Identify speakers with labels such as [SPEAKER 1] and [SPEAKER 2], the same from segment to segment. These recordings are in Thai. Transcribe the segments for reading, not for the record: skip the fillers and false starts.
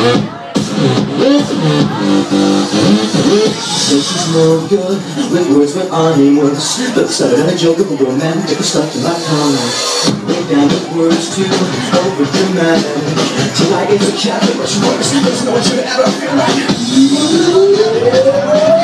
[SPEAKER 1] She's no good with words when onwards, but started a joke of a romantic stuff to my tongue. Lay down the words too over dramatic. Tonight is a Catholic, but she works. There's no one should ever feel like.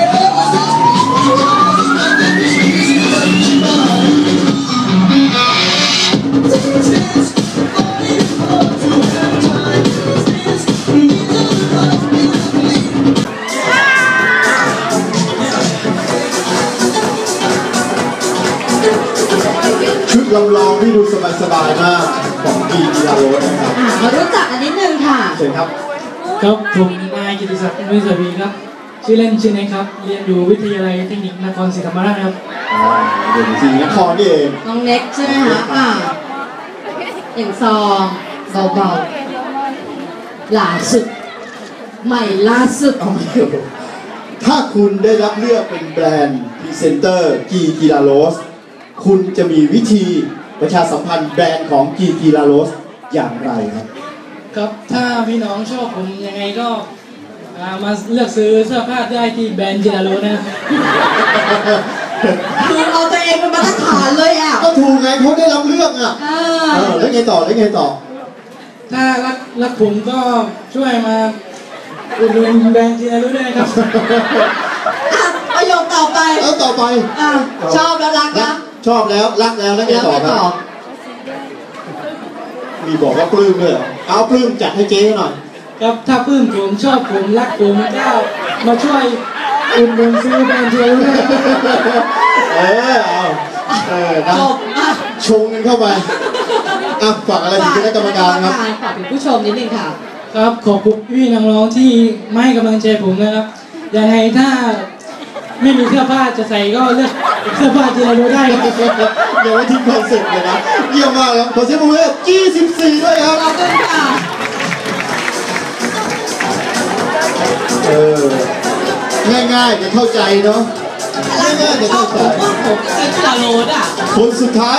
[SPEAKER 2] ชุดลำลองที่ดูสบายๆมากของกีฬาโรสนะครับ
[SPEAKER 3] มารู้จักอันนิดนึงค่ะ
[SPEAKER 2] เชิญครับ
[SPEAKER 4] ครับผมนายกิติศักดิ์นุ้ยสวีครับชื่อเล่นชื่อเนคครับเรียนอยู่วิทยาลัยเทคนิคนครศรีธรรมราชครับ
[SPEAKER 2] เรียนศรีนครนี่เอง
[SPEAKER 3] น้องเน็กใช่ไหมคะอย่างซองเบาๆล่าสุดใหม่ล่าสุด
[SPEAKER 2] ถ้าคุณได้รับเลือกเป็นแบรนด์พรีเซนเตอร์กีฬาโรสคุณจะมีวิธีประชาสัมพันธ์แบรนด์ของกีฬาโรสอย่างไรครับ
[SPEAKER 4] ครับถ้าพี่น้องชอบผมยังไงก็มาเลือกซื้อเสื้อผ้าได้ที่แบรนด์กีฬาโรสนะครับ
[SPEAKER 3] คือเอาตัวเองเป็นมาตรฐานเลยอ่ะ
[SPEAKER 2] ก็ถูกไงเขาได้รับเลือกอ่ะแล้วไงต่อ
[SPEAKER 4] ถ้ารักผมก็ช่วยมาอุดหนุนแบรนด์กีฬาโรสด้วยนะครับ
[SPEAKER 3] ประโยคต่อไปชอบแล้วรักนะ
[SPEAKER 2] ชอบแล้วรักแล้วไงต่อครับมีบอกว่าปลื้มเลยเอาปลื้มจัดให้เจ๊หน่อย
[SPEAKER 4] ครับถ้าปลื้มผมชอบผมรักผมก็มาช่วยอุดหนุนซื้อแบรนด์กีฬาโรส
[SPEAKER 2] จบชงกันเข้าไปฝากอะไรถึงคณะกรรมการครับ
[SPEAKER 3] ฝากถึงผู้ชมนิดนึงค่ะ
[SPEAKER 4] ครับขอบคุณพี่น้องๆที่ไม่ให้กำลังใจผมนะครับยังไงถ้าไม่มีเสื้อผ้าจะใส่ก็เลือกเสื้อผ้ากีฬาโรสได้ครับ
[SPEAKER 2] เดี๋ยวไว้ทิ้งคอนเซ็ปต์เลยนะเยี่ยมมากครับขอเสียงปรบมือ24ด้วยครับ
[SPEAKER 3] ขอบคุณค่ะ
[SPEAKER 2] ง่ายๆจะเข้าใจเนาะง่ายๆจะเข้าใจ
[SPEAKER 3] ผมกีฬาโรสอ่ะ
[SPEAKER 2] คนสุดท้าย